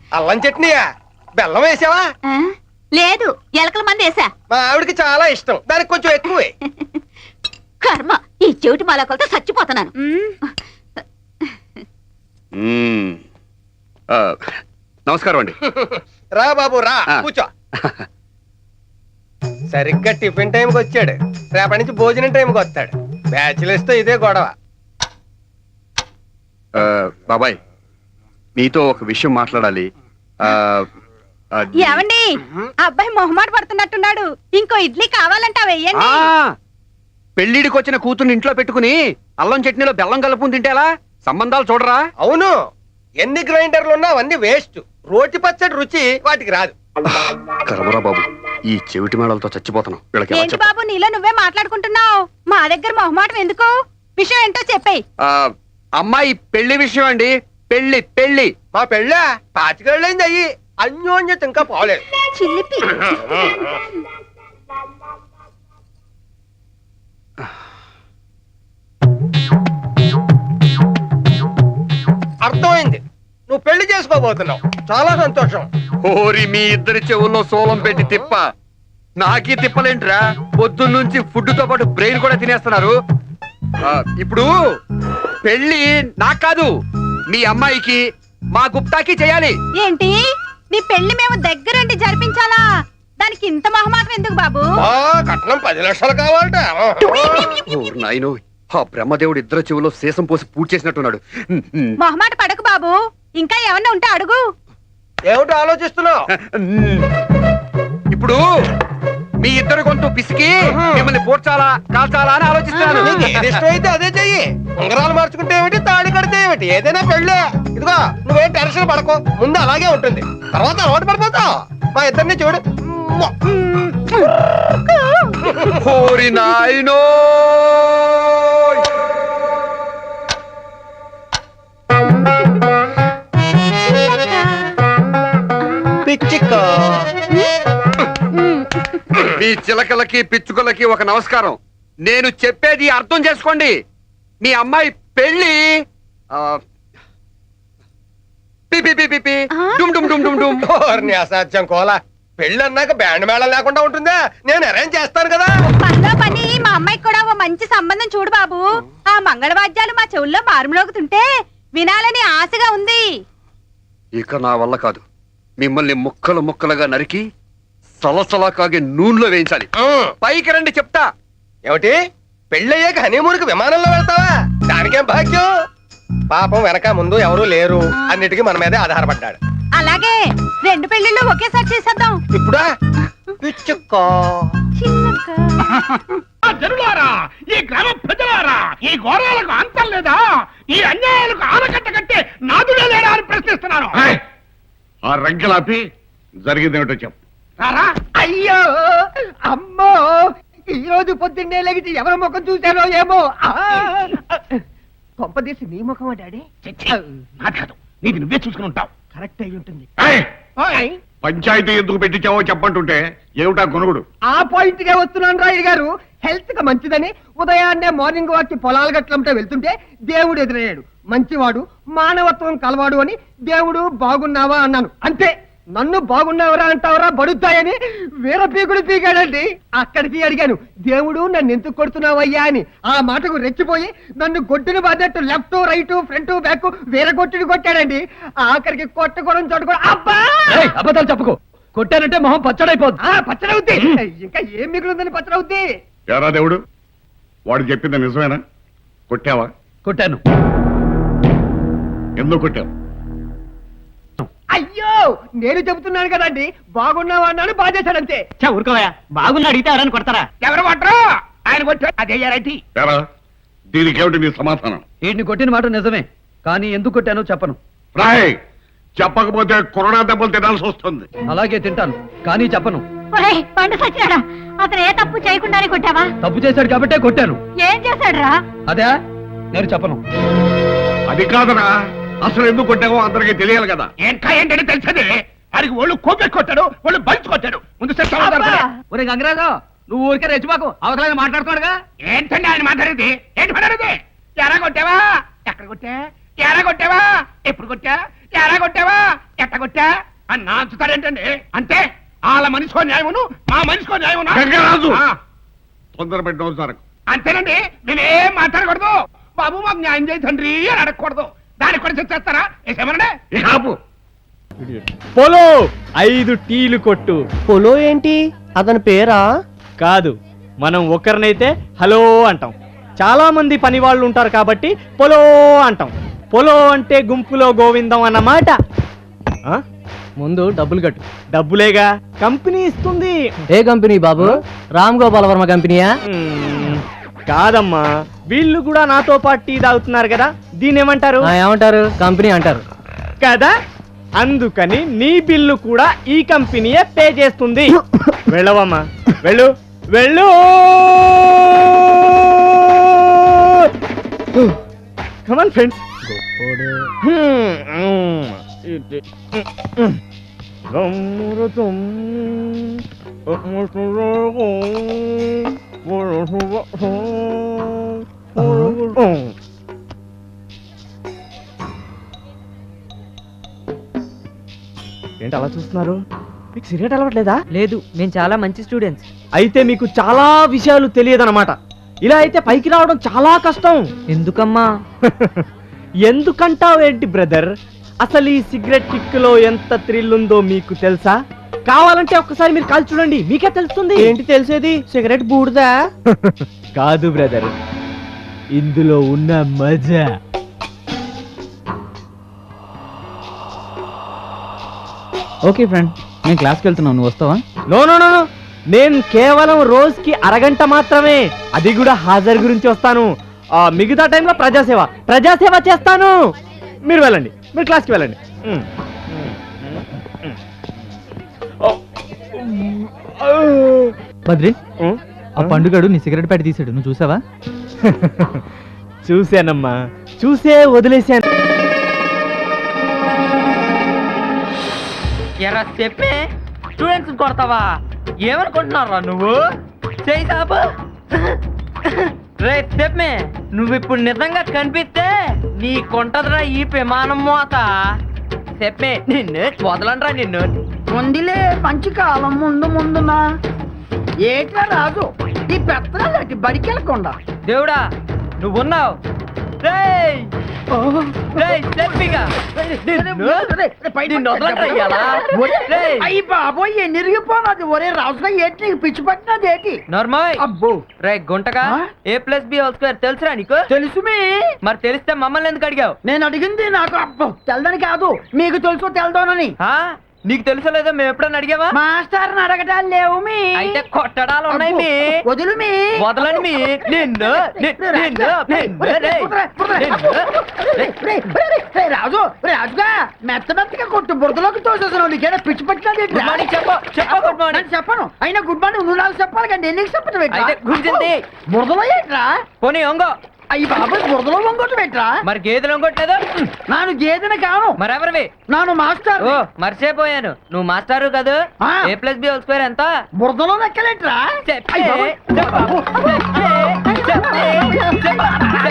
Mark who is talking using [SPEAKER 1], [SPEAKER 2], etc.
[SPEAKER 1] అల్లం చట్నీయా? బెల్లం వేసావా?
[SPEAKER 2] లేదు, ఎలకల మంది వేసా.
[SPEAKER 1] మా ఆవిడకి చాలా ఇష్టం, దానికి కొంచెం ఎక్కువే.
[SPEAKER 2] కర్మ, ఈ చెవిటి మాలకలతో చచ్చిపోతున్నాను.
[SPEAKER 3] నమస్కారం అండి.
[SPEAKER 1] రా బాబు రా, కూర్చో. సరిగ్గా టిఫిన్ టైంకి వచ్చాడు, రేపటి నుంచి భోజనం టైంకి వస్తాడు. బ్యాచిలర్స్ తో ఇదే గొడవ.
[SPEAKER 3] బాబాయ్, మీతో ఒక విషయం మాట్లాడాలి.
[SPEAKER 2] ఏమండి, అబ్బాయి మొహమాట పడుతున్నట్టున్నాడు. ఇంకో ఇడ్లీ కావాలంటా వెయ్యండి.
[SPEAKER 3] పెళ్లిడికి వచ్చిన కూతుర్ని ఇంట్లో పెట్టుకుని అల్లం చట్నీలో బెల్లం కలుపుకుని తింటే ఎలా? సంబంధాలు చూడరా?
[SPEAKER 1] అవును, ఎన్ని గ్రైండర్లు ఉన్నా అవన్నీ వేస్ట్. రోటి పచ్చడి రుచి వాటికి రాదు.
[SPEAKER 3] కరమరా బాబు, ఈ చెవిటి మేడలతో చచ్చిపోతున్నాం.
[SPEAKER 2] ఏంటి బాబు, నీలో నువ్వే మాట్లాడుకుంటున్నావు? మా దగ్గర మొహమాటం ఎందుకు? విషయం ఏంటో చెప్పేయ్.
[SPEAKER 3] అమ్మాయి పెళ్లి విషయం అండి. పెళ్లి పెళ్లి
[SPEAKER 1] మా పెళ్ళ 25 ఏళ్ళైంది. అయ్యి అన్యోన్యత ఇంకా పోలేదు.
[SPEAKER 2] చిల్లిపి
[SPEAKER 1] అర్థమైంది, నువ్వు పెళ్లి చేసుకోబోతున్నావు. చాలా సంతోషం.
[SPEAKER 3] ఓరి మీ ఇద్దరి చెవుల్లో సోలం పెట్టి తిప్ప. నాకీ తిప్పలేంట్రా? పొద్దున్నుంచి ఫుడ్ తో పాటు బ్రెయిన్ కూడా తినేస్తున్నారు. ఇప్పుడు పెళ్లి నాకు కాదు, మీ అమ్మాయికి, మా గుప్తాకి చేయాలి.
[SPEAKER 2] ఏంటి, నీ పెళ్లి మేము దగ్గరుండి జరిపించాలా? దానికి ఇంత మొహమాటం ఎందుకు బాబు?
[SPEAKER 1] కట్నం 10 లక్షలు కావాలట.
[SPEAKER 3] నాయనో, ఆ బ్రహ్మదేవుడు ఇద్దరు చెవులో శేషం పోసి పూర్తి చేసినట్టున్నాడు.
[SPEAKER 2] మొహమాట పడకు బాబు, ఇంకా ఏమన్నా ఉంటే అడుగు.
[SPEAKER 1] ఏమిటో ఆలోచిస్తున్నావు?
[SPEAKER 3] ఇప్పుడు మీ ఇద్దరు గొంతు పిసికి మిమ్మల్ని పోడ్చాలా కాల్చాలా అని ఆలోచిస్తున్నాను.
[SPEAKER 1] నీకు ఏది ఇష్టమైతే అదే చెయ్యి. ఉంగరాలు మార్చుకుంటే ఏమిటి, తాళి కడితే ఏమిటి, ఏదైనా పెళ్ళే. ఇదిగో, నువ్వేం టెన్షన్ పడకు, ముందు అలాగే ఉంటుంది, తర్వాత అలవాటు పడిపోతావు. మా ఇద్దరిని చూడు.
[SPEAKER 3] ఓరి నాయనో,
[SPEAKER 1] పిచ్చికో.
[SPEAKER 3] మీ చిలకలకి పిచ్చుకలకి ఒక నమస్కారం. నేను చెప్పేది అర్థం చేసుకోండి. మీ అమ్మాయి పెళ్లి
[SPEAKER 1] అసాధ్యం కోలా. పెళ్లి అన్నాక బ్యాండ్ మేళం లేకుండా ఉంటుందా? నేను అరేంజ్ చేస్తాను కదా.
[SPEAKER 2] పనిలో పని మా అమ్మాయికి కూడా ఓ మంచి సంబంధం చూడు బాబు. ఆ మంగళవాద్యాలు మా చెవుల్లో మారుమోగుతుంటే వినాలని ఆశగా ఉంది.
[SPEAKER 3] ఇక నా వల్ల కాదు. మిమ్మల్ని ముక్కలు ముక్కలుగా నరికి సలసలా కాగే నూనెలో వేయించాలి. పైకి రండి చెప్తా.
[SPEAKER 1] ఏమిటి, పెళ్ళయ్యాక హనీమూన్కి విమానంలో వెళ్తావా? దానికేం భాగ్యం. పాపం వెనక ముందు ఎవరూ లేరు, అన్నిటికీ మన మీదే ఆధారపడ్డాడు.
[SPEAKER 2] అలాగే 2 పెళ్లిళ్ళు ఒకేసారి చేసేద్దాం.
[SPEAKER 1] ఇప్పుడా? పిచ్చుకో.
[SPEAKER 4] జనులారా, ఈ గ్రామ ప్రజలారా, ఈ ఘోరాలకు అంతం లేదా? ఈ అన్యాయాలకు ఆనకట్ట కట్టే నాదుడే లేడా అని ప్రశ్నిస్తున్నాను.
[SPEAKER 5] ఆ రంకెలాపి జరిగిందేమిటో చెప్పు.
[SPEAKER 4] అయ్యో అమ్మో, ఈ రోజు పొద్దున్నే లెగిసి ఎవరి ముఖం చూశారో ఏమో. కొంపదీసి నీ ముఖమా డాడీ? నాది కాదు, నీది నువ్వే చూసుకుని ఉంటావు. కరెక్ట్ అయి ఉంటుంది.
[SPEAKER 5] పంచాయతీ ఎందుకు పెట్టించావో చెప్పంటుంటే ఏమిటా కొనుగుడు?
[SPEAKER 4] ఆ పాయింట్ గా వస్తున్నాను రాయుడు గారు. హెల్త్ గా మంచిదని ఉదయాన్నే మార్నింగ్ వాక్ కి పొలాలు గట్లంటే వెళ్తుంటే దేవుడు ఎదురయ్యాడు. మంచివాడు, మానవత్వం కలవాడు అని దేవుడు బాగున్నావా అన్నాను, అంతే. నన్ను బాగున్నావరా అంటావరా బడుతాయని వీర పీకుడు పీకాడండి. అక్కడికి అడిగాను, దేవుడు నన్ను ఎందుకు కొడుతున్నావయ్యా అని. ఆ మాటకు రెచ్చిపోయి నన్ను గొడ్డును బాధట్టు లెఫ్ట్ రైట్ ఫ్రంట్ బ్యాక్ వీర కొట్టుడు కొట్టాడండి. ఆఖరికి కొట్టకూడదు చోటు అబ్బా.
[SPEAKER 6] అబద్ధాలు చెప్పుకో, కొట్టానంటే మొహం పచ్చడైపోద్ది.
[SPEAKER 4] పచ్చడవుద్ది, ఇంకా ఏం మిగులుందని పచ్చడవుద్ది.
[SPEAKER 5] ఎరా దేవుడు, వాడు చెప్పింది నిజమేనా? కొట్టావా?
[SPEAKER 6] కొట్టాను.
[SPEAKER 5] ఎందుకు కొట్టావు?
[SPEAKER 4] అయ్యో, నేను చెబుతున్నాను కదండి, బాగున్నావా అన్నాను, బాధేశాడంతే.
[SPEAKER 6] ఊరుకోవా, బాగున్నా అడిగితే ఎవరైనా కొడతారా?
[SPEAKER 4] ఎవరు కొట్టరు, ఆయన కొట్టారు. అదే రైటీ.
[SPEAKER 5] ఎరా, దీనికేమిటి నీ సమాధానం?
[SPEAKER 6] వీడిని కొట్టిన మాట నిజమే, కానీ ఎందుకు కొట్టానో చెప్పను.
[SPEAKER 5] రాయ్, చెప్పకపోతే కొరడా దెబ్బలు తినాల్సి వస్తుంది.
[SPEAKER 6] అలాగే తింటాను, కానీ చెప్పను.
[SPEAKER 2] పండు సచ్చినాడా? అతను ఏ తప్పు చేయకుండానే కొట్టావా?
[SPEAKER 6] తప్పు చేశాడు కాబట్టే కొట్టాను.
[SPEAKER 2] ఏం చేశాడు రా?
[SPEAKER 6] అదే నేను చెప్పను.
[SPEAKER 5] అది కాదరా, అసలు ఎందుకు కొట్టావో అందరికీ తెలియాలి కదా.
[SPEAKER 4] ఇంకా ఏంటని తెలిసేది? వాడికి ఒళ్ళు కోపెట్టి కొట్టాడు, ఒళ్ళు బలిచి కొట్టాడు. ముందు
[SPEAKER 6] ఒరే గంగరాజు, నువ్వు ఊరికే రెచ్చిపోకు, అవసరాన్ని మాట్లాడుకోడుగా.
[SPEAKER 4] ఏంటండి ఆయన మాట్లాడేది? ఏంటి మాట్లాడేది? ఎరా కొట్టావా? ఎక్కడ కొట్టా? ఎరా కొట్టావా? ఎప్పుడు కొట్టా?
[SPEAKER 5] ఎలా కొట్టావా ఎట్ట కొట్టా అని నాంచుతారేంటండి అంటే వాళ్ళ మనిషికో న్యాయమును మా మనిషికో న్యాయమును
[SPEAKER 7] గంగరాజు! తొందర పెట్టిన సార్
[SPEAKER 5] అంతేనండి నేనేం మాట్లాడకూడదు బాబు మాకు న్యాయం చేయి తండ్రి అని అడగకూడదు దానికి కూడా చేస్తారా ఏమనండి
[SPEAKER 7] ఆపు
[SPEAKER 8] పొలో 5 టీలు కొట్టు.
[SPEAKER 1] పొలో ఏంటి అతని పేరా?
[SPEAKER 8] కాదు, మనం ఒకరినైతే హలో అంటాం. చాలా మంది పని వాళ్ళు ఉంటారు కాబట్టి పొలో అంటాం. పొలో అంటే గుంపులో గోవిందం అన్నమాట. ఆ?
[SPEAKER 6] ముందు డబ్బులు కట్టు.
[SPEAKER 8] డబ్బులేగా కంపెనీ ఇస్తుంది.
[SPEAKER 6] ఏ కంపెనీ బాబు? రామ్ గోపాల్ వర్మ కంపెనీయా?
[SPEAKER 8] కాదమ్మా, వీళ్ళు కూడా నాతో పాటు టీ తాగుతున్నారు కదా, దీన్ని ఏమంటారు?
[SPEAKER 6] ఏమంటారు? కంపెనీ అంటారు
[SPEAKER 8] కదా, అందుకని నీ బిల్లు కూడా ఈ కంపెనీయే పే చేస్తుంది. వెళ్ళవమ్మా, వెళ్ళు వెళ్ళు. Come on friends. ఏంటి అలా చూస్తున్నారు? మీకు సిగరెట్ అలవట్లేదా?
[SPEAKER 6] లేదు, మేము చాలా మంచి స్టూడెంట్స్.
[SPEAKER 8] అయితే మీకు చాలా విషయాలు తెలియదన్నమాట. ఇలా అయితే పైకి రావడం చాలా కష్టం.
[SPEAKER 6] ఎందుకమ్మా?
[SPEAKER 8] ఎందుకంటావేంటి బ్రదర్? అసలు ఈ సిగరెట్ కిక్కులో ఎంత థ్రిల్ ఉందో మీకు తెలుసా? కావాలంటే ఒక్కసారి మీరు కాల్చి చూడండి, మీకే తెలుస్తుంది.
[SPEAKER 1] ఏంటి తెలిసేది? సిగరెట్ బూడిదా?
[SPEAKER 8] కాదు బ్రదర్, ఇందులో ఉన్న మజా.
[SPEAKER 6] ఓకే ఫ్రెండ్, నేను క్లాస్కి వెళ్తున్నాను, నువ్వు వస్తావా?
[SPEAKER 8] నో నో నో నో, నేను కేవలం రోజుకి అరగంట మాత్రమే, అది కూడా హాజరు గురించి వస్తాను. మిగతా టైంలో ప్రజాసేవ చేస్తాను. మీరు వెళ్ళండి, మీరు క్లాస్కి వెళ్ళండి.
[SPEAKER 6] బద్రి, ఆ పండుగడు నీ సిగరెట్ ప్యాకెట్ తీసాడు, నువ్వు చూసావా?
[SPEAKER 8] చూశానమ్మా, చూసే వదిలేశాను.
[SPEAKER 9] ఎరా చెప్పే స్టూడెంట్స్ కొడతావా? ఏమనుకుంటున్నారా నువ్వు? చేయి సాబు. రే చెప్పే, నువ్వు ఇప్పుడు నిజంగా కనిపిస్తే నీ కొంటదిరా ఈ విమానం మోత. చెప్పే నిన్ను వదలండ్రా నిన్ను.
[SPEAKER 10] ముందులే మంచి కాలం ముందునా ఏట్లా రాదు ఈ పెత్తనాలకి బడికెళ్ళకుండా.
[SPEAKER 9] దేవుడా నువ్వున్నావు. రేయ్ రేయ్ చెప్పిగా
[SPEAKER 10] అయ్యి బాబోయ్ ఎన్నిరిగిపోనది. ఒరే రాజుగా ఏంటి నీకు పిచ్చి పట్టినది ఏంటి?
[SPEAKER 9] నార్మల్.
[SPEAKER 10] అబ్బో
[SPEAKER 9] రే గుంటగా A+B² తెలుసురా నీకు?
[SPEAKER 10] తెలుసు మీ.
[SPEAKER 9] మరి తెలిస్తే మమ్మల్ని ఎందుకు అడిగావు?
[SPEAKER 10] నేను అడిగింది నాకు అబ్బో తెల్దని కాదు, మీకు తెలుసో తెల్దోనని.
[SPEAKER 9] నీకు తెలుసలేదో మేము ఎప్పుడన్నా అడిగావా?
[SPEAKER 10] మాస్టర్ని అడగటాలు లేవు మీ.
[SPEAKER 9] అయితే కొట్టడాలు ఉన్నాయి మీ.
[SPEAKER 10] వదులు మీ.
[SPEAKER 9] వదలని మీ. నిన్ను
[SPEAKER 10] రాజు రాజుగా మెత్తగా కొట్టు బురదలోకి తోసేసాను. నీకేనా పిచ్చి పట్టినది? చెప్పను అయినా గుడ్ మార్నింగ్ నువ్వు నాకు చెప్పాలి కానీ నేను చెప్పడం
[SPEAKER 9] అయితే గుంజింది
[SPEAKER 10] బురదలో ఏంట్రా?
[SPEAKER 9] పోనీ వంగో.
[SPEAKER 10] అయ్యి బాబాయ్ బురదలో వంగొట్టు పెట్టరా?
[SPEAKER 9] మరి గేదెలు వంగొట్టలేదు.
[SPEAKER 10] నాను గేదెని కాను.
[SPEAKER 9] మరెవరివి?
[SPEAKER 10] నాను మాస్టర్.
[SPEAKER 9] ఓ మర్చిపోయాను, నువ్వు మాస్టారు కాదు. A+B² ఎంత?
[SPEAKER 10] బురదలో లెక్కలేట్రా?
[SPEAKER 9] చెప్పే